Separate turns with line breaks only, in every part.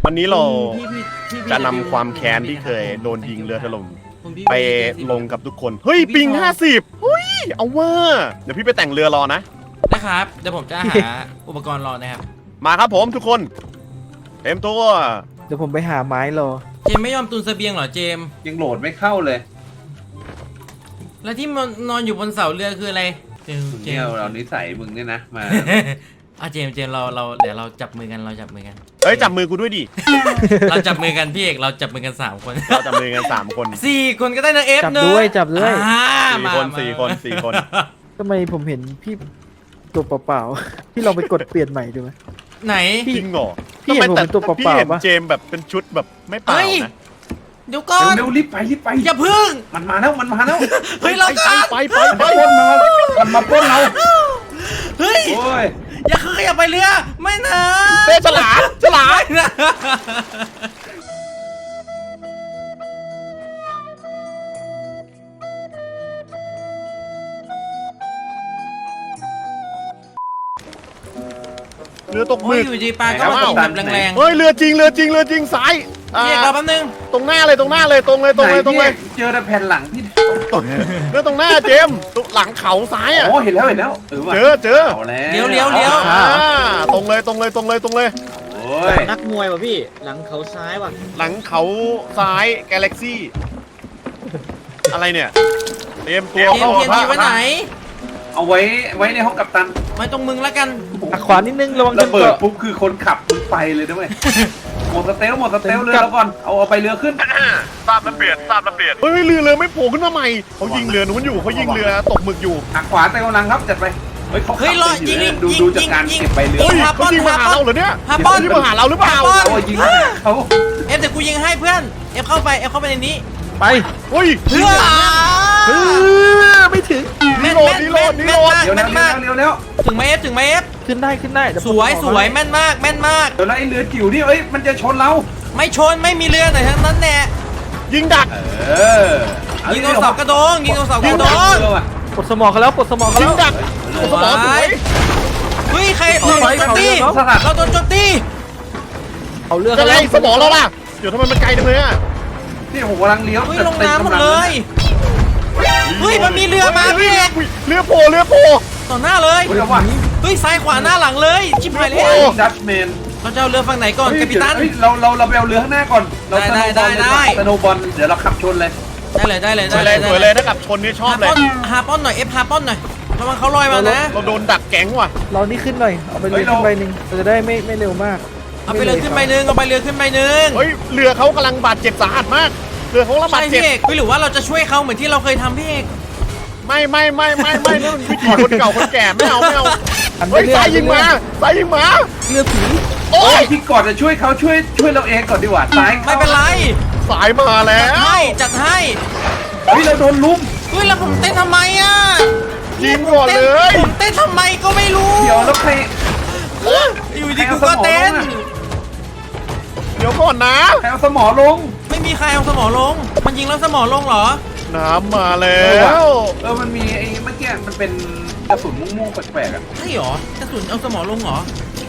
วันนี้เรา
พี่
จะนำความแค้นที่เคยโดนยิงเรือถล่ม
คุณพี่
ไปลงกับทุกคน เฮ้ยปิง50เฮ้ยเอาว่าเดี๋ยวพี่ไปแต่งเรือรอนะ
นะครับเดี๋ยวผมจะหาอุปกรณ์รอนะครับ
มาครับผมทุกคนเต็มตัว
เดี๋ยวผมไปหาไม้รอ
เจมไม่ยอมตุนเสบียงเหรอเจม
ยังโหลดไม่เข้าเลย
แล้วที่มันนอนอยู่บนเสาเรือคืออะไรเจม
มึงเนี่ยเรานิสัยมึงเนี่ยนะมา
อ่ะเจมเราเดี๋ยวเราจับมือกันเราจับมือกัน
เฮ้ยจับมือกูด้วยดิ
เราจับมือกันพี่เอกเราจับมือกัน3 คน
เราจับมือกัน3 คน
4 คนก็ได้นะเอฟ
จับ
เนอะ
ด้วยจับด้วย
4 คน4 คน4 คน
ทำไมผมเห็นพี่ตัวเปล่าๆ พี่ลองไปกดเปลี่ยนใหม่ดูไหม
ไหน
จริงเหรอ
พี่เห็นผมเป็นตัวเป
พี่
ล่า
เห็น
ๆปะ
เจมส์แบบเป็นชุดแบบไม่เปล่า
เฮ้ย
นะ
เดี๋ยวก่อน
เร็วๆรีบไปรีบไป
อย่าพึ่ง
มันมาแล้วมันมาแล้ว
เฮ้ยเรา
ไป
กัน
ไป
มันมาปล้นเรา
เฮ้ย
โอ้ย
อย่าเคยอย่าไปเรือไม่นะ
เต้ฉลามฉลาม
ไม่นะ
เรือตกห
โอ้
มึ
ย
ก
อยู่ดีปลาก็มาตกแบบแรง
เฮ้ยเรือจริงซ้าย
ๆพี่เอกเราแป๊บนึง
ตรงหน้าเลยตรงเลย
เจอแต่แผ่นหลังพี่
เรือตรงหน้าเจมส์หลังเขาซ้ายอ่ะ
โอ้เห็นแล้วว่ะ
เจอ
เอาแล้ว
เลี้ยว
อ่าตรงเลย
โอ้ย
นักมวยว่ะพี่หลังเขาซ้ายว่ะ
หลังเขาซ้ายกาแล็กซี่อะไรเนี่ยเตรียมตัว
เทียน
เข้า
เทียนทีไว้ไหน
เอาไว้ในห้องกัปตัน
ไว้ตรงมึงแล้วกัน
หักขวานิดนึงระวัง
ระ
จน
เบิด
เกาะ
ปุ๊บคือคนขับมึงไปเลยนะเว้ยหมดสเตลเรือแล้วก่อนเอาไปเรือขึ้น
ทราบระเบียดเฮ้ยเรือไม่โผล่ขึ้นมาใหม่เขายิงเรือนู้นอยู่เขายิงเรือตกหมึกอยู่
หักขวาเตลลังครับจัดไปเฮ้ยเขาขับ
เฮ้ยรอยิง
ดูจากการเก็บใบเรือ
เฮ้ยเขายิงมาหาเราเหรอเนี่ย
ฮาปอน
เขายิงมาหาเราหรือเปล่า
ฮาปอน
เขายิงเขา
เอฟเดี๋ยวกูยิงให้เพื่อนเอฟเข้าไปในนี้
ไป
เฮ้ย
เพื่อ
ไม่ถึง
แม่น
นี่โหลด
มาก
เดี๋ยว
แม่นมาก
เร็ว
ถึงไหมเอฟถึงไหมเอฟ
ขึ้นได้เดี๋ยว
ส
ผม
วย
ขอ
สวยแม่นมาก
เดี๋ยวแล้วไอ้เรือจิ๋วนี่มันจะชนเรา
ไม่ชนไม่มีเรือไหนทั้งนั้นแน่
ยิงดัก
ยิงตรงเสากระโดงยิงตรงเสากระโดง
ปลดสมองเขาแล้วปลดสมองเขา
ยิ
แล้
ง
ว
ดักสมองสวย
เฮ้ยใครเราโดนโจมตีเราโดนโจมตี
เอาเรือ
จะ
เขา
ไง
แล้ว
สมองเราล่ะเดี๋ยวทำไมมันไกลจังเลยอ่ะ
นี่ผมกำลังเลี้ยว
เฮ้ยลงน้ำหมดเลยเฮ้ยมันมีเรือมาพี่เอก
เรือโผล่
ต่อหน้าเลย
เรือว่า
เฮ้ยซ้ายขวาหน้าหลังเลยชิบหายแล้ว
ดัชแมน
เราจะเอาเรือฝั่งไหนก่อนกัปตัน
เราไปเอาเรือข้างหน้าก่อนเราสโนบอลเดี๋ยวเราขับชนเลย
ได้เลย
สวยเลยถ้ากับชนนี่ชอบเลย
ฮาป้อนหน่อยเอฟฮาป้อนหน่อยระวังเขาลอยมานะ
เราโดนดักแก๊งว่ะ
เรานี่ขึ้นหน่อยเอาไปเรือขึ้นใบหนึ่งเราจะได้ไม่เร็วมาก
เอาไปเรือขึ้นใบหนึ่งเอาไปเรือขึ้นใบหนึ่ง
เฮ้ยเรือเขากำลังบาดเจ็บสาหัสมากเรือเขากำลัง
ใช่
บาดเจ็
พี่
บ
เอกหรือว่าเราจะช่วยเขาเหมือนที่เราเคยทำพี่เอก
ไม่นั่นวิธีคนเก่าคนแก่ไม่เอา
อัน
เฮ้ย
เรือ
สายยิงมา
เรือผี
โอ้ย
ที่ก่อนจะช่วยเขาช่วยเราเองก่อนดีกว่าซ้าย
ไม่เป็นไร
สายมาแล้
จัด
ว
ให้
เฮ้ยเราโดนลุม
เฮ้ยแล้วผมเต้นทำไมอ่ะ
ยิงก่อนเลย
ผมเต้นทำไมก็ไม่รู้
เดี๋ยวแล้วใคร
อยู่ดีกูก็เต้น
เดี๋ยวก่อนนะ
ใครเอาสมอลง
ไม่มีใครเอาสมอลง มันยิงแล้วสมอลงเหรอ
น้ำมาแล้ว
มันมีไอ้เมื่อกี้มันเป็นกระสุนม่วงๆแปลกๆอ่ะ
ใช่เหรอกระสุนเอาสมอลงเหรอก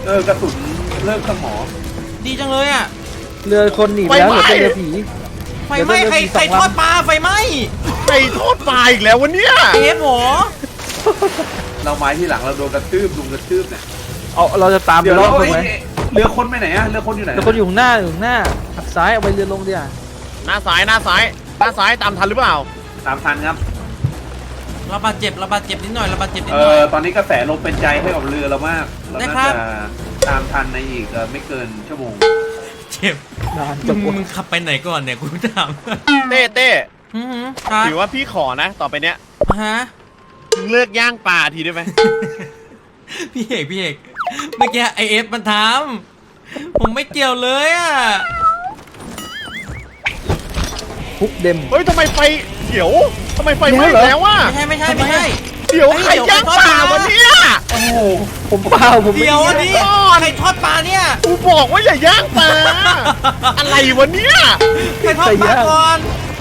ระสุนเลิกสมอ
ดีจังเลยอ่ะ
เรือคนหนีไปแล้วเหลือแต่เรือผี
ไฟไหม้ใครทอดปลาไฟไหม้
ไก่ทอดปลาอีกแล้ววันเนี้ย
เอฟหรอ
เราไม้ที่หลังเราโดนกระทืบลุงกระทืบเนี่ย
เอาเราจะตามไป
เดี๋ยว
รอ
เรา
บถูกไหม
เรือคนไปไหนอะเรือคนอยู่ไหน
แต่คนอยู่ข้างหน้าหักซ้ายเอาไปเรือลงดีอ่ะ
หน้าซ้ายตามทันหรือเปล่า
ตามทันครับ
เราบาดเจ็บนิดหน่อยนิดหน่อย
ตอนนี้กระแสลมเป็นใจให้กับเรือเรามากเรา
ได้
น่า
ครับ
จะตามทันในอีกไม่เกินชั่วโมง
เจ็บ
นานจบ
มึงขับไปไหนก่อนเนี่ยกูถาม
เต้
ครับ
ถือว่าพี่ขอนะ ต่อไปเนี้ย
ฮะ
มึงเลิกย่างปลาทีได้ไหม
พี่เอกเมื่อกี้ไอเอฟมันทำผมไม่เกี่ยวเลยอ่ะ
พุกเดม
เฮ้ยทำไมไฟเขียวทำไมไฟไหม้แล้ววะ
ไม่ใช่
เดี๋ยวใครย่างปลาวะเนี่ย
โอ้โห
ผมเปล่าผมไม่
เดี๋ยวอันนี้ใครทอดปลาเนี่ย
กูบอกว่าอย่าย่างปลาอะไรวะเนี่ย
ใครทอดปลาก่อน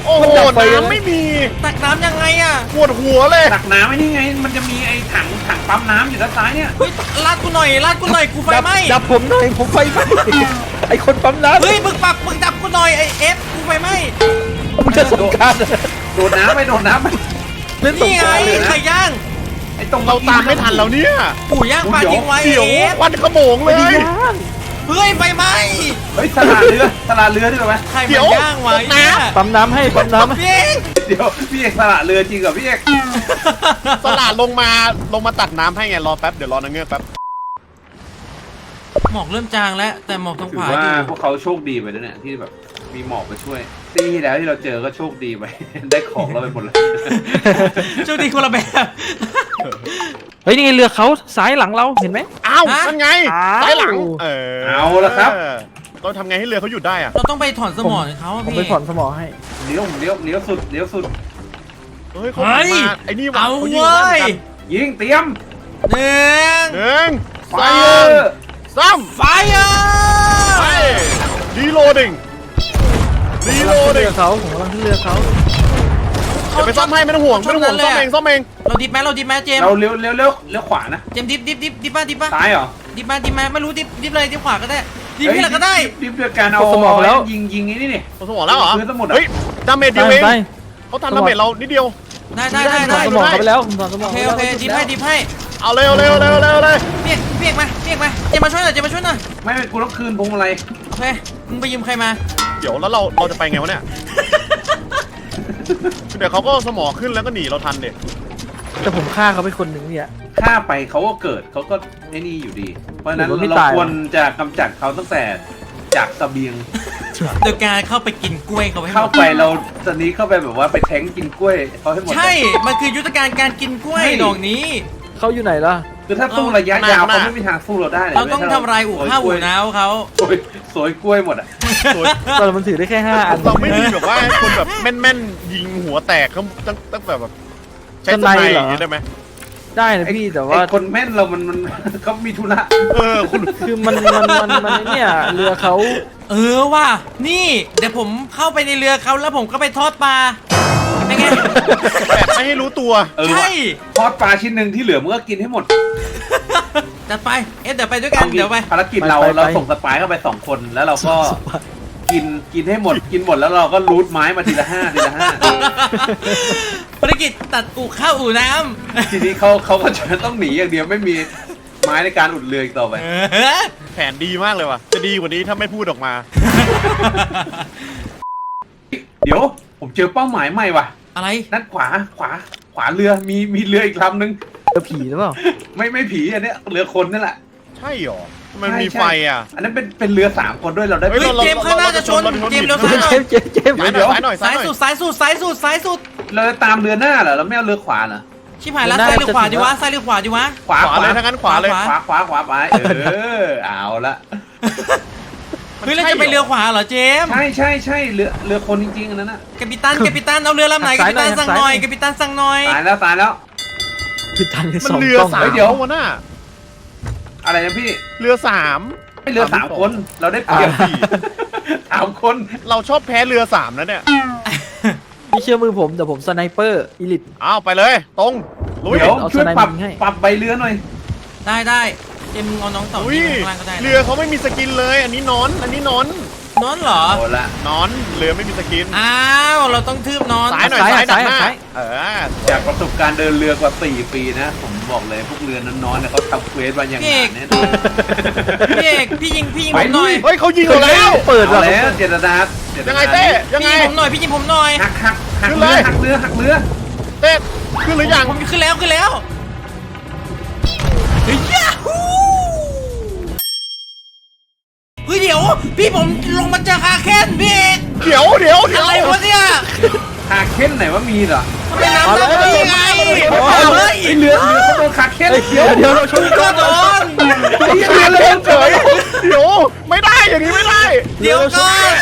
โอ้โหน้ำไม่มี
ตักน้ำยังไงอะ
ปวดหัวเลย
ตักน้ำไอ้นี่ไง มันจะมีไอ้ถังปั๊มน้ำอยู่ด้านซ้ายเนี่ย
เฮ้ยลาดกูหน่อยลาดกูหน่อยกูไฟไหม้
ดับผมหน่อยผมไฟไหม้ไอคนปั๊มน้ำ
เฮ้ยมึงดับกูหน่อยไอเอฟกูไฟไหม้
มึงจะสงกราร
โดดน้ำไปโดดน้ำไป
เล่นสง
นี่
ก
ไง
รารเลยนะ
ไข่ย่าง
ไอ้ตรง
เราตามไม่ทันแล้วเนี่ย
ปู่ย่างปลาทิ้งไว้
เดี๋ยว
เอฟ
ควันขโมงเล
ไม่ได้
ย
ย่าง
เฮ้ยไฟไหม้
เฮ้ยสลาเรือด้วยไหม
ใคร
เดี๋
มัน
ยว
ย่างไว้
ตกน้ำ
เนี่ย
ปั๊มน้ำให้ปั๊มน้ำให้
พี่เอง
เดี๋ยวพี่เอกสละเรือจริงเหรอพี่เอก
สลัดลงมาตักน้ำให้ไงรอแป๊บเดี๋ยวรอนางเงือกแป๊บ
หมอกเริ่มจางแล้วแต่หมอกทาง
ถื
ข
อ
วา
ว่า
อยู่
พวกเขาโชคดีไปแล้วเนี่ยที่แบบมีหมอกมาช่วยตีที่แล้วที่เราเจอก็โชคดีไป ได้ของเราไปหมดเลย
โชคดีคนละแบบ
เฮ้ยนี่ไงเรือเขาซ้ายหลังเราเห็นไหม
อ้าว
ฮะ
นั่นไง
อ้าว
ซ้ายหลัง
เอาละครับ
เราทำไงให้เรือเขาหยุดได้อะ
เราต้องไปถอนสมองเขาอะ
ผม
พี่
ไปผ่อนสมองให้
เลี้ยวสุด
เฮ้ยเขา
เฮ้ย
มาไอ้นี่ว่ะ
เอา
เขายิง
เว้
ได้
ย
เหมือนกัน
ยิงเตรียม
หนึ่ง
หนึ่ง
ไฟ
สอง
เออร์
สาม
ไฟเออ
ไปรีโหลดดิ้งรีโหลด
เรื
ดิ้ง
อเขาผมกำลังขึ้นเรือเขา
เดี๋ยวไปซ่อมให้ไม่ต้องห่วงไม่ต้องห่วงซ่อมเองซ่อมเอง
เราดิบไหมเจมส์
เราเลี้ยวขวานะ
เจมส์ดิบป่ะ
ซ้ายเหรอ
ดิบมาไม่รู้ดิบเลยดิบขวาก็ได้ดิบที่ไหนก็ได้
ดิบเดือดการเอายิงไอ้นี่นี่
เขาสมองแล้วเหรอ
พื้นสมุดอะ
เฮ้ยดาเมจเดียวเอง
ไป
เขาทำดาเมจเรานิดเดียว
ได้
ถอนสมองเขาไปแล้วผมถอนสมอง
โอเคดิบให้
เอาเร็วเลย
เปียกมาเจมมาช่วยหน่อย
ไม่กูต้องคืนพวงมาลัย
โอเคมึงไปยืมใครมา
เดี๋ยวแล้วเราจะไปไงวะเนี่ย เดี๋ยวเขาก็สมองขึ้นแล้วก็หนีเราทันเด็ก
แต่ผมฆ่าเขาไปคนหนึ่งเนี่ย
ฆ่าไปเขาก็เกิดเขาก็ไอ้นี่อยู่ดี เพราะฉะนั้น
ผมว่าไม่
เรา
ตาย
ควรจะกำจัดเขาตั้งแต่จากเสบียง
โดยการเข้าไปกินกล้วยเขาให้หม
เข้า
ด
ไปเราตอนนี้เข้าไปแบบว่าไปแทงกินกล้วยเขาให้หมด
ใช่มันคือยุทธการการกินกล้วยดอกนี้
เขาอยู่ไหนล่ะ
คือถ้าสู้ระยะยาวเขาไม่มีทางสู้เราได้เลย
เราต้องทำลายอู่ข้าวอู่น้าวเขา
สวยกล้วยหมดอ่ะ
ตอนมันถือได้แค่5 อัน
เราไม่มีแบบว่าคนแบบแม่นๆยิงหัวแตกเขาตั้งแบบใช้สไนด์อย่างนี้ได้ไหม
ได้นะพี่แต่ว่า
ไอ้คนแม่นเรามันเขามีธุระ
คุณ
คือมันเนี่ยเรือเขา
ว่ะนี่เดี๋ยวผมเข้าไปในเรือเขาแล้วผมก็ไปทอดปลาเป็นไง
แบบไม่ให้รู้ตัว
ใช่
ทอดปลาชิ้นหนึ่งที่เหลือมึงก็กินให้หมด
จัดไปเดี๋ยวไปด้วยกันเดี๋ยวไป
ภารกิจเราส่งสปายเข้าไป2 คนแล้วเราก็กินให้หมดกินหมดแล้วเราก็รูทไม้มาทีละ5
ภารกิจตัดอู่ข้าวอู่น้
ทีนี้เขาก็จะต้องหนีอย่างเดียวไม่มีไม้ในการอุดเรืออีกต่อไป
ำ
แผนดีมากเลยว่ะจะดีกว่านี้ถ้าไม่พูดออกมา
เดี๋ยวผมเจอเป้าหมายใหม่ว่ะ
อะไร
ด้านขวาเรือมีเรืออีกลำนึง
เรือผีหรือเปล่า
ไม่ผีอันเนี้ยเรือคนนั่นแหละ
ใช่หรอมันมีไฟอ่ะ
อันนั้นเป็นเรือ3 คนด้วยเราได้
เฮ้ย
เจมส์ข้างหน้าจะชนเจมส์เร็วซ้ายหน่อย
เจมส์
ซ้ายหน่อย
ซ้ายสุดซ้ายสุด
เราจะตามเรือหน้าเหรอเราไม่เอาเรือขวาเหรอ
ชิบหายแล้วซ้ายหรือขวาดีวะซ้ายหรือขวาดีวะ
ขวา
ขวาเลยถ้างั้นขวาเลย
ขวาไปเอาละ
เฮ้ยเราจะไปเรือขวาเหรอเจมส์
ใช่เรือคนจริงๆอันนั้นน่ะ
กัปตันเอาเรือลำไหนกัปตันสั่งหน่อยกัปตันสั่งหน่อย
ตายแล้ว
ผิดทันใน
มัน
2
เรือ
กล้อง
สาม
เดี๋ยว
วะน่ะ
อะไรนะพี่
เรือสาม
ไม่เรือ3 คนเราได้เปรียบ 3 คน
เราชอบแพ้เรือสามนะเนี่ย
พี่เชื่อมือผมแต่ผมสไนเปอร์อีลิท
เอาไปเลยตรงลุย
เดี๋ยว
เอา
ช่วย
สไนเป
ป
อ
รับ
ร์ยิงให้
ใบเรือหน่อย
ได้เจมส์เอาน้องต่อ
อุ้ย
ที่ข้างล่างก็ได้
เรือเขาไม่มีสกินเลย อันนี้นอน
นอนเหรอ
เอาละ
นอนเรือไม่มีสกิน
อ้าวเราต้องทืบนอน
ซ้ายหน่อยซ้ายดักหน้าเออ
จากประสบการณ์เดินเรือกว่า4 ปีนะผมบอกเลยพวกเรือน้อนๆเนี่ยเขาทำเควสมาอย่างหนาแน่นอน
พี่เอกพี่ยิงผมหน่อย
เฮ้ยเขายิงเราแล้ว
เปิด
เอา
ว่ะ
แล้วเจตนา
ยังไงเต้ยังไง
พี่ยิงผมหน่อยพี่ยิงผมหน่อย
หัก
ขึ้นเลย
เรือ
เต้ขึ้นหรือยัง
ผมขึ้นแล้วเฮ้ยยาฮูเฮ้ยเดี๋ยวพี่ผมลงมาเจอคาเคนพี่เอก
เดี๋ยว
อะไรวะเนี่ย
คาเค้นไหนว่ามีเหรอ
ทำไมน้ำดำได้ยังไงเฮ้ย
ไอเรือเขาโดนคาเค้น
เดี๋ยวเราชน
ก็โดน
ไอ้เรือเรือเฉย
เดี๋ยวไม่ได้อย่างนี้ไม่ได้
เดี๋ยวก่อน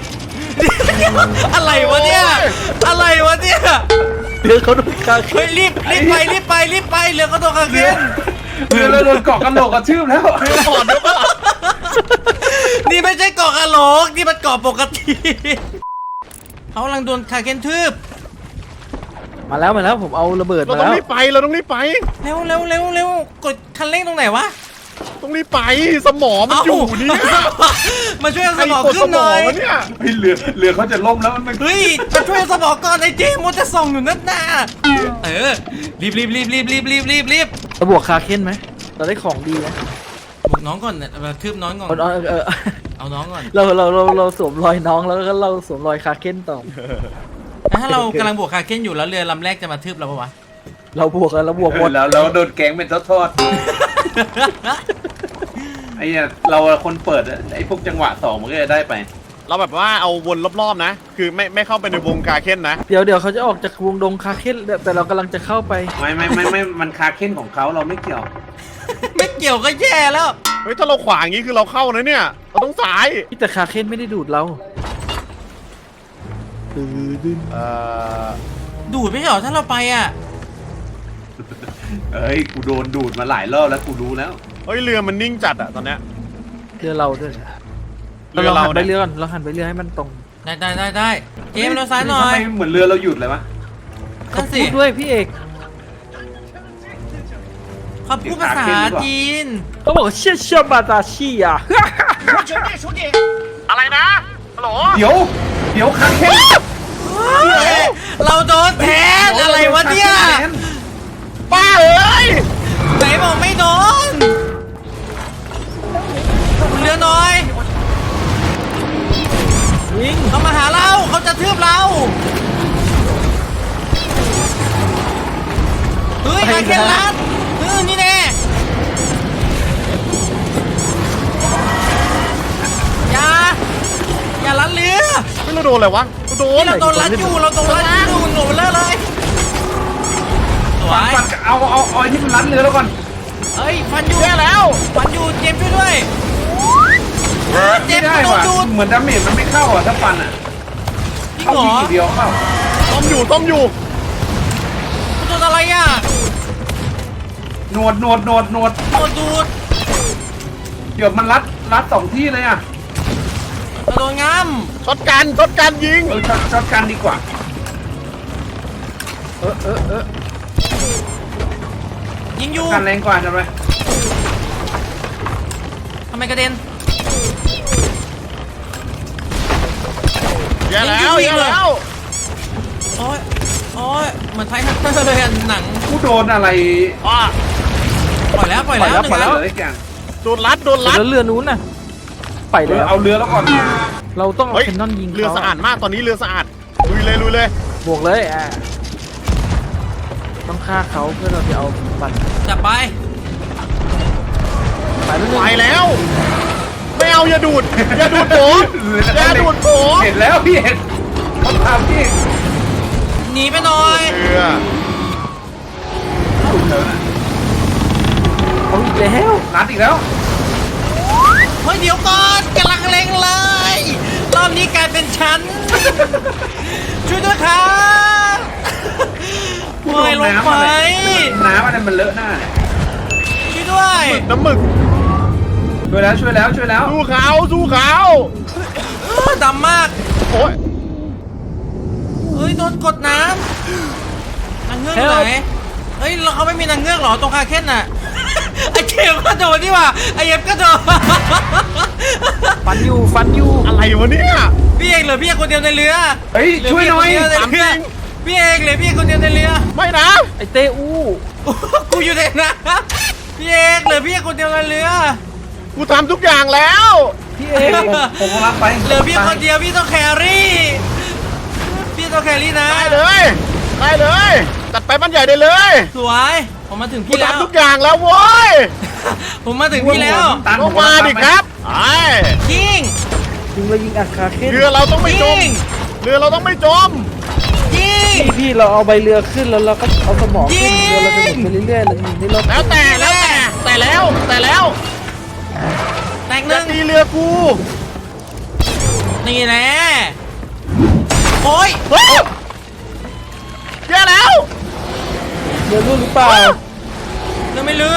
อะไรวะเนี่ยอะไรวะเนี่ย
เรือเขาโดนฆ่า
เฮ้ยรีบไปเรือก็โดนคาเคน
เรือโดนเกาะกันโหลกกระชืบแล้ว
ก่อนเดี๋ยวก่อน
นี่ไม่ใช่เกาะกะโหลกนี่มันเกาะปกติเขากำลังโดนคาเคนทืบ
มาแล้วผมเอาระเบิด
เรา
มา
ต้อง
แล้ว
รีบไปเราต้องรีบไป
เร็วเร็วเร็วเร็วกดคันเร่งตรงไหนวะ
ต้องรีบไปสมองมันอยู่เนี่ย
มาช่วยเอาส
ไอ้
มอง
กด
ขึ้
ส
น
ม
หน่
อ
อง ย
วะเนี่ย
เฮ้ยเรือเขาจะล่มแล้วมัน
เฮ้ยมาช่วยเอาสมองก่อนไอ้เจมส์จะส่องอยู่นั่นน่ะรีบ
เราบวกคาเค้นไหมเราได้ของดีนะ
บุกน้องก่อนเนี่ยมาทืบน้องก่อน เอาน้องก่อน
เราสวมรอยน้องแล้วก็เราสวมรอยคาเค้นต่อ
ถ้าเรากำลังบวกคาเคนอยู่แล้วเรือลำแรกจะมาทืบเราปะวะ
เราบวกกันเราบวกหมด
แล้วโดนแก๊งเป็นทอดๆไอ้เนี่ยเราคนเปิดอะไอ้พวกจังหวะสองมันก็จะได้ไป
เราแบบว่าเอาวนรอบๆนะ คือไม่เข้าไปในวงกาเค้นนะ
เดี๋ยวเขาจะออกจากวงดงคาเค้นแต่เรากำลังจะเข้าไป
ไม่มันคาเค้นของเขาเราไม่เกี่ยว
ไม่เกี่ยวก็แย่แล้ว
เฮ้ยถ้าเราขวางอย่างนี้คือเราเข้านะเนี่ยเราต้องสาย
แต่คาเค้นไม่ได้ดูดเรา
ดูดไม่ใช่เหรอถ้าเราไปอ่ะ
เอ้ยกูโดนดูดมาหลายรอบแล้วกูรู้แล้ว
เฮ้ยเรือมันนิ่งจัดอะตอนเนี้ย
เรือเราด้วย
เรือเรา
หันไป
เนี่ย
เรือก่อนเราหันไปเรือให้มันตรง
ได้เจมส์เราซ้ายหน่อ
ทำไม
ย
เหมือนเรือเราหยุดเลยวะ
นั่นสิ
พูดด้วยพี่เอก
เขาพูดภาษาจีน
เขาบอกเชี่ยเชี่ยบาตาชี่อ่ะ
อะไรนะฮัลโหล
เดี๋ยวคาเค้น
เราโดนแทนอะไรวะเนี่ย
ป้าเอ้ย
ไหนบอกไม่โดนเรือน้อย
วิ่ง
เขามาหาเราเขาจะทืบเราเฮ้ยคาเคนลัดนี่แน่อย่าลัดเรือ
ไม่รู้โดนอะไรวะโดน
เราโดนลัดอยู่เราโดนลัดอยู่หนูเลยสวย
ฟันเอาไอ้ที่มันรัดเรือแล้วก่อน
เฮ้ยฟันอยู่
แย่แล้ว
ฟันอยู่เจมส์ช่วยด้วยเจ
ไม่
มส์
ได้
โดน
ว่ะ
ดูด
เหมือนดาเมจมันไม่เข้าอ่ะถ้าฟันอ่ะ
จริง
เข้า
เหรอ
ทีเดียวเข้า
ต้มอยู่
โดนอะไรอ่ะ
หนวด
โดนดูด
เดี๋ยวมันรัดสองที่เลยอ่ะ
โดนง้
ช็อตกันยิง
ช็อตกันดีกว่า
ำยิงอยู่
กันแรงกว่าจะไป
ทำไมกระเด็น
แย่แล้ว
ยิงอยู่
แย่แล้ว
โอ้ยเหมือนไททันเตอร์เลยอะหนัง
กูโดนอะไร
อ่ะ
ปล่อยแล้วหนึ่ง
ปล่อยแล้ว
เลยแกง
โดนรัด
แล้วเรือนู้นน่ะไปเลย
เอาเรือแล้วก่อน
เราต้องเอา
เฮ้ย
แคนนอนยิง
เรือ
เขา
สะอาดมากตอนนี้เรือสะอาดลุยเลย
บวกเลยต้องฆ่าเขาเพื่อเราจะเอาบัตร
จับไป
ไปแล้ว
ไปแล้ว ไม่เอาอย่าดูดผมอย่าดูดผม
เห็นแล้วพี่เห็นเขาทำพี่
หนีไปหน่อย
เรือ
เอาอีกแล้ว
รัดอีกแล้ว
เฮ้ยเดี๋ยวก่อนกำลังเล็งเลยรอบนี้กลายเป็นฉัน ช่วยด้วยครับโอ้ยลงไป
น้ำอะไรมันเลอะหน้าเนี่ย
ช่วยด้วย
น้ำหมึก
ช่วยแล้ว
สู้เขา
ดำมาก
โอ้ย
เฮ้ยโดนกดน้ำนางเงือกอยู่ไหนเฮ้ยเราเขาไม่มีนางเงือกเหรอตรงคาเคนน่ะ ไอเกมก็โดนนี่หว่าไอเอฟก็โดน
ฟันอยู่
อะไรวะเนี่ย
พี่เอกเหลือพี่เอกคนเดียวในเรือ
เฮ้ยช่วยหน่อย
เหลืพี่เกคนเดีวในเรือพี่เอกเหลือพี่เอกคนเดียวในเรือ
ไม่นะ
ไอเตอู
กูอยู่ในน้ำพี่เอกเหลือพี่เอกคนเดียวในเรือ
กูทำทุกอย่างแล้ว
พี่เอก
ผมกำลังไป
เหลือพี่คนเดียวพี่ต้องแครี่พี่ต้องแครี่นะ
ได้เลยจัดไปบ้านใหญ่ได้เลย
สวยผมมาถึง
กู
พี่แล้ว
ทำทุกอย่างแล้วโว้ย
ผมมาถึงพี่แล้ว
ต้องมาดิครับไอ้
ยิง
ยิงเรายิงอัดคาเค้น
เรือเราต้องไม่จ
ยิ
ม
ง
เรือเราต้องไม่จม
ยิง
พี่เราเอาใบเรือขึ้นแล้วเราก็เอาสมองขึ้น
ยิง
เรือเราจะหมุนไปเรื่อยๆเรายิงได้รอบ
แล้วแต่แล้ว
แตกห
อย่า
นึ่ง
ตีเรือกู
นี่แหละโอ้ย
เฮ้ยแย่แล้ว
เรือรู้หรือเปล่า
เรือไม่เรือ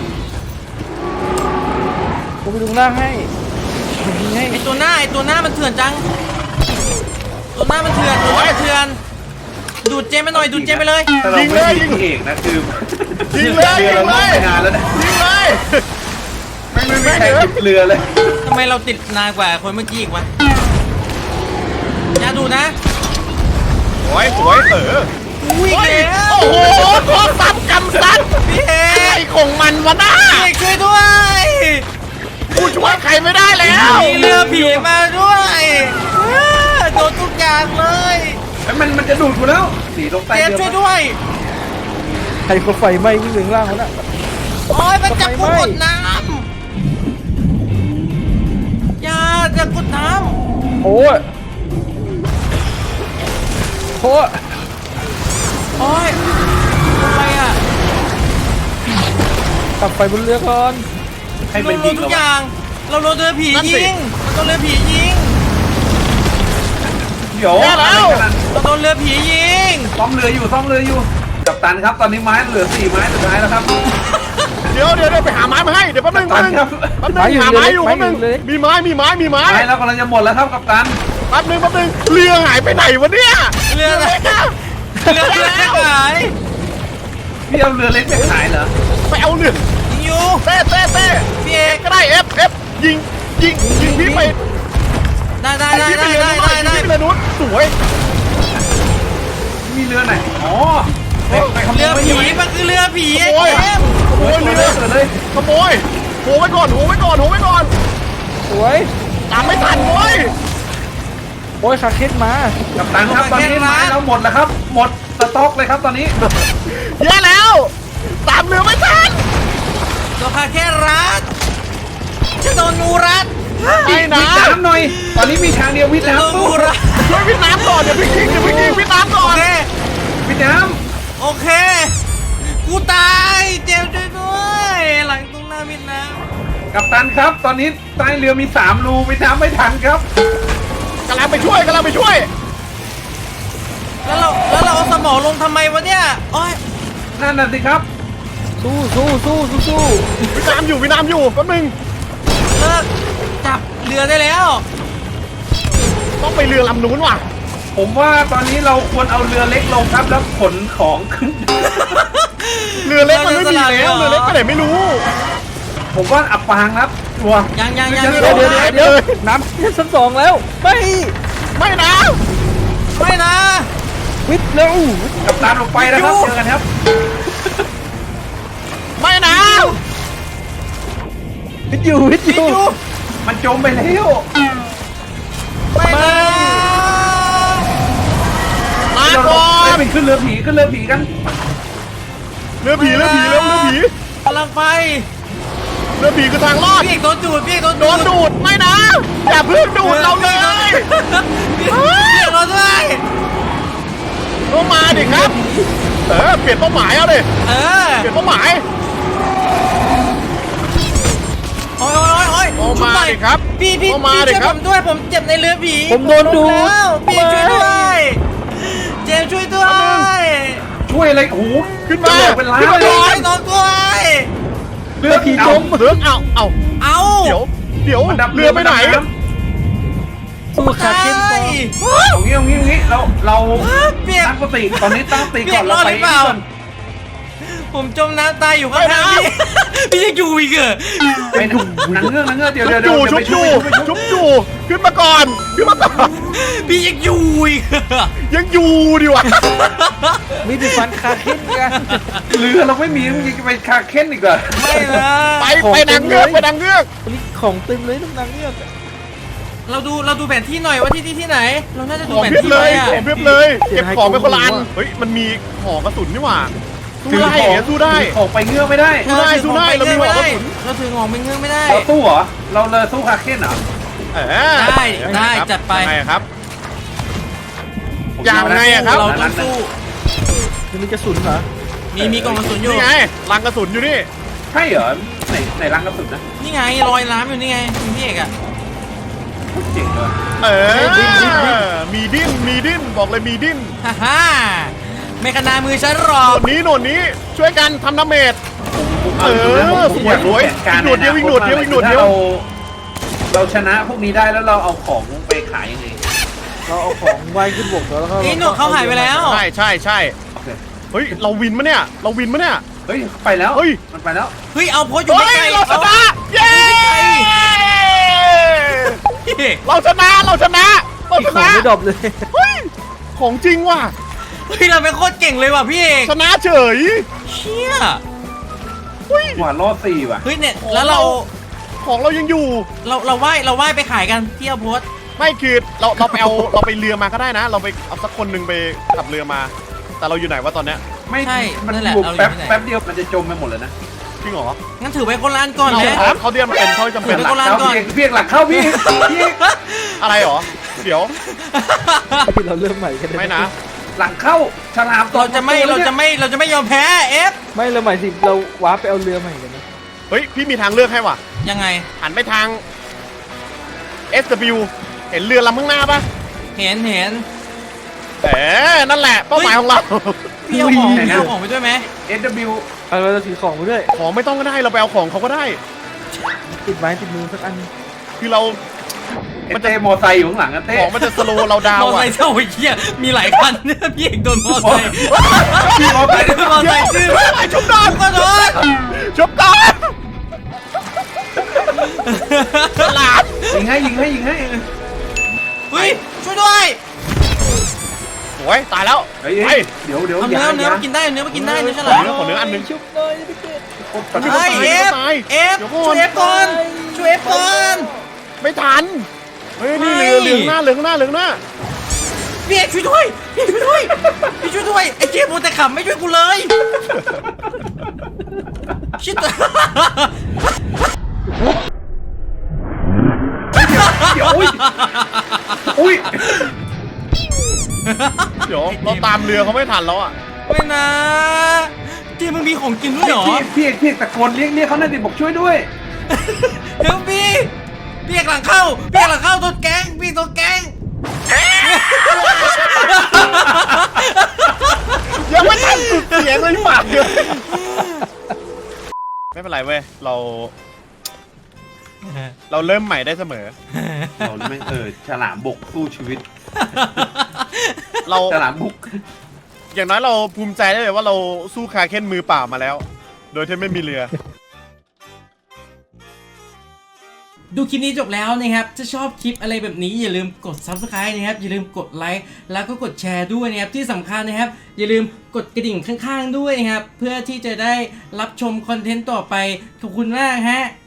ผมไปดูข้างล่างให้ผมยิงให้
ไอตัวหน้ามันเถื่อนจังตัวหน้ามันเถื่อนตัวหน้ามันเถื่อนดูดเจมไปหน่อยดูดเจมไปเลย
แต่เราไม่ยิงพี่เอกนะคือ
ยิงเลย
เรือ
ยิ
เรา
งเล
ล่ม
ย
ไปนานแล้วนะ
ยิงเลย
ไม่มีใครติดเรือเลย
ทำไมเราติดนานกว่าคนเมื่อกี้อีกวะอย่าดูนะ
สวยสวย
วิ่ง
โอ้ย
แล้ว
โอ้โหโทรศัพท์กำซัด
พี่เอ
ไอ้
ก
ของมันวะน้า
พี่เอกช่วยด้วย
กูช่วยใครไม่ได้แล้ว
มีเรือผีมาด้วยโดนทุกอย่างเลย
แล้วมันจะดูดกูแล้วสีตรงใต้
เจม
เรือ
ช่วยด้วย
ใครคนไฟไหม้วิ่งถึงล่างแล้วน่ะ
โอ้ยมันจับกูกดน้ำอย่าจะกดน้
โอ้ยโอ้ย
ำโอ้ยอะไรอ่ะ
ตัดไฟบนเรือก่อน
ให้
เรา
มัน
โด
ยิ
น
ง
ทุก
เรา
อย่าง เราโดนเรือผียิงเราโดนเรือผียิง
เดี๋ยว
เราโดนเรือผียิง
ซ่อมเรืออยู่กัปตันครับตอนนี้ไม้เหลือ4 ไม้สุดท้ายแล้วครับ
เดี๋ยวไปหาไม้มาให้เดี๋ยวแป๊บนึง
กัปตันครับ
แป๊บนึงหาไม้อยู่แป๊บนึงมีไม้
ไม้แล้วกำลังจะหมดแล้วครับกัปตัน
แป๊บนึงเรือหายไปไหนวะเนี่ย
เรืออะไร
นะ
เรืออะไรหาย
พี่เอาเรือเล็กไปขายเหรอ
ไปเอาเรือ
ยิงอยู่
เต้
พี่เอก
ก็ได้เอฟยิงพี่ไป
ได้
พี่ไปเรือนู้นพี่ไปเรือนู้นสวย
มีเรือไหนอ๋อไปขโม
เรื
ย
อ
ไม่
ผี
ใช่ไหม
มันคือเรือผีไอ้
โอ้ย
เจมส์
ขโมยเรือ
เลย
ขโมยโหไว้ก่อน
สวย
ตามไม่ทันเว้ย
โอ้ยคาเค้นมา
กัปตันครับตอนนี้ไม้เราหมดแล้วครับ หมดสต็อกเลยครับตอนนี้
แย่แล้วตามเรือไม่ทัน
ตัวคาแค่รัดจะโดนงูรัด
ไม่นะ
วิทน้ำหน่อย ตอนนี้มีทางเดียววิท
จะโดน
น้ำ
งูรัด
ช่วยพี่น้ำก่อนเดี๋ยวพี่ยิงพี่น้ำก่
โอ
อน
เค
วิทน้
โอเค กูตายเจมส์ช่วยด้วยหลังตรงหน้ามินน้
ำกัปตันครับ ตอนนี้ใต้เรือมี3 รูวิทน้ำไม่ทันครับ
กำลังไปช่วย
ำแล้วเราเอาสมองลงทำไมวะเนี่ยโอ้ย
นั่นน่ะสิครับ
สู้
พี่น้ำอยู่แป๊บนึง
เลิกจับเรือได้แล้ว
ต้องไปเรือลำนู้นว่ะ
ผมว่าตอนนี้เราควรเอาเรือเล็กลงครับแล้วขนของขึ้น
เรือเล็กมันไม่มีแล้วเรือเล็กไปไหนไม่รู้
ผมว่าอับปางครับชัวร์
ยัง
เดี๋ยวน้ำชั้น2แล้วไม่
ไม่นะ
ไม่นะ
วิทย์เร็ว
กัปตันออกไปนะครับเจอกันครับ
ไม่นะ
วิทย์อยู่
มันจมไปแล้ว
ไม่นะ
มา
เรา
ก่อน
ไปขึ้นเรือผีกัน
เรือผีแล้วเรือผี
กำลังไป
เรือผีคือทางรอด
พี่เอกโดนดูดพี่เอกโดน
โดนดูดไม่นะอย่าเพิ่งดูดเราเลย
พี่เอกโดนด้วย
ก็มาดิครับเปลี่ยนเป้าหมายเอาดิ
เออ
เปลี่ยนเป้าหมาย
โอ้ย
เอามาดิครับ
พี่
เอามา
ช่
ดิ
วย
ครั
ผ
บ
มด้วยผมเจ็บในเรือผี
ผมโดนดู
แล้วพี่ช่วยด้วยเจมส์ช่วยด้วย
ช่วยอะไรโอ้โห
ขึ้นมา
เป็นล้าน
ขึ้นมา
เล
ก่
ย
อน
ช่วยน้องด้วย
เรือผีจม
เสือกเอา
เอา
เดี๋ยว
มันดับ
เรือไปไหน
สู้คาเค้นก่อน
เอางี้เรา
เปียก
ตั้งสติตอนนี้ตั้งสติก่อน
เปียกร
เรา
อด
ไป
หรือเปล่า
ก่อน
ผมจมน้ำตายอยู่ข้างๆพี่พี่ยังอยู่อีกเหรอ
ไปนางเงือกเดี๋ยว
ชุบอยู่ขึ้นมาก่อน
พี่ยังอยู่อีกเหรอ
ยังอยู่ดิวะ
มีแต่ฟันคาเค้นกัน
เรือเราไม่มีมึงจะไปคาเค้นอีกเหรอ
ไม่นะ
ไปนางเงือก
วันนี้ของเต็มเลยน้ำนางเงือก
เราดูแผนที่หน่อยว่าที่ไหน เราน่าจะดู
ของ
แผน
เพียบ
ที่
เล
ไว้
ย
อะ
ของเพียบเลย เก็บของไปคนละอันเฮ้ยมันมีของกระสุนนี่หว่าสู้ได้สู้ได้
ออกไปเงือกไม่ได้
สู้ได้เรามีหัวกระสุน
เราถือของเป็นเงื่อนไม่ได้
เราสู้เหรอเราเลยสู้คาเค้นเหรอ
ได้จัดไป
ยังไงครับยังไงอะครับ
เราต้องสู้
จะมีกระสุนเหรอ
มีกล่องกระสุนอยู่
นี่ไงลังกระสุนอยู่นี่
ใช่เหรอไหนรังกระสุนนะ
นี่ไงรอยน้ำอยู่นี่ไงพี่เอกอะ
เจ๋งเลย
มีดิ้นบอกเลยมีดิ้น
ฮ่าไม่ขนามือฉันหรอ
หน
ก
วดนี้ช่วยกันทำดาเมจ
ผมอยากรู้แผนการเราชนะพวกนี้ได้แล้วเราเอาของไปขายยังไง
เราเอาของไว้ขึ้นบกแล้วก็
ไอ้หนวดเขาหายไปแล้ว
ใช่ใช่ใช่
โอเค
เฮ้ยเราวินมะเนี่ยเราวินมะเนี่ย
เฮ้ยไปแล้ว
เฮ้ย
มันไปแล้ว
เฮ้ยเอาโพสต์อยู่
เฮ้
ใก
ย
ล้ๆ
เราชนะเย้
พี่
เราชนะเราชนะเรา
อีก
ช
ของ
นะ
ไม่ดรอปเลย
เฮ้ยของจริงว่ะ
เฮ้ยเราเป็นโคตรเก่งเลยว่ะพี่เอก
ชนะเฉย
เชี่ย
หวานรอด4ว่ะ
เฮ้ยเนี่ยแล้วเรา
ของเรายังอยู่
เราว่ายไปขายกันที่เอาโพสต์
ไม่คือเราไปเอาเราไปเรือมาก็ได้นะ เราไปเอาสักคนหนึ่งไปขับเรือมา แต่เราอยู่ไหนวะตอนเนี้ย
ไม่
ใช่
มัน
นั่นแหละ
อยู่
เราอ
แป๊บ
ยู่ที่ไหน
แป๊บเดียวมันจะจมไปหมดเลยนะ
จริงเหรอ
งั้นถือไว้คนละอันก่อน
เรา
เลย
เขาเดียมเป็นเขาจำเป็น
ดี๋ยว
หลั
ไป
กเข้าพี่เอกหลักเข้าพี่เอก
อะไรเหรอเดี๋ยว
ที่เราเริ่มใหม่กันด้
ไม่นะ
หลังเข้าฉลามตก
เราจะไม่ยอมแพ้เอฟ
ไม่เราหมายถึงเราว้าร์ปไปเอาเรือใหม่กันนะ
เฮ้ยพี่มีทางเลือกให้ว่ะ
ยังไง
หันไปทาง SW เห็นเรือลำข้างหน้าปะ
เห็น
นั่นแหละเป้าหมายของเรา
พี่เอาของไปด้วยไหม
SW
เอาเราจะถือของไปด้วย
ของไม่ต้องก็ได้เราไปเอาของเขาก็ได้
ติดไม้ติดมือสักอัน
คือเรา
มันจะมอไซค์อยู่ข้างหลังนะเต้
ของมันจะสโลว์เราดาว
มอ
อะ
ไซค์เท่าไอ้เหี้ยมีหลายคันเนี่ยพี่เอกโดนมอไซค์
พี่มอไซค์
มอไซค์ชื่อ
ไอ้ชุบดอน
ก็โดน
ชุบดอนฉลาด
ยิงให้
เฮ้ยช่วยด้วย
โอ้ยตายแล้ว
เฮ้ย
ไป
เดี๋ยว
เอาเนื้อมากินได้เนื้อมากินได้เนื้อฉ
ข
ลา
อ
ม
เนื้ออันหนึง
ชุบหน่อยพี่เกด
เฮ้ยเอฟ
เดี๋ยวก่อน
ช่วยเอฟก่อนช่วยเอฟก่อน
ไม่ทัน เฮ้ยนี่
ไม่
เหลืองหน้าเหลืองหน้าเหลืองหน้า
พี่เอกช่วยด้วยพี่ช่วยด้วยพี่ช่วยด้วยไอ้เจี๊ยบมัวแต่ขำไม่ช่วยกูเลยชิด
เดี๋ยวอุ้ย
เดี๋ยวเราตามเรือเขาไม่ทันแล้วอ่ะ
ไม่นะเจี๊ยบมึงมีของกินด้วยเหรอ
พี่เอกตะโกนเรียกเขาหน่อยดิบอกช่วยด้วย
เฮลพี่เอกหลังเข้าตัวแก๊งพี่ตัวแก๊ง
ยังไม่ทันสุดเสียงเลยปากเลยไม่เป็นไรเว้ยเราเริ่มใหม่ได้เสมอ
เราไม่ฉลามบุกสู้ชีวิต
เรา
ฉลามบุก
อย่างน้อยเราภูมิใจได้เลยว่าเราสู้คาเค้นมือเปล่ามาแล้ว โดยที่ไม่มีเรือ
ดูคลิปนี้จบแล้วนะครับถ้าชอบคลิปอะไรแบบนี้อย่าลืมกด Subscribe นะครับอย่าลืมกดไลค์แล้วก็กดแชร์ด้วยนะครับที่สำคัญนะครับอย่าลืมกดกระดิ่งข้างๆด้วยนะครับเพื่อที่จะได้รับชมคอนเทนต์ต่อไปขอบคุณมากฮะ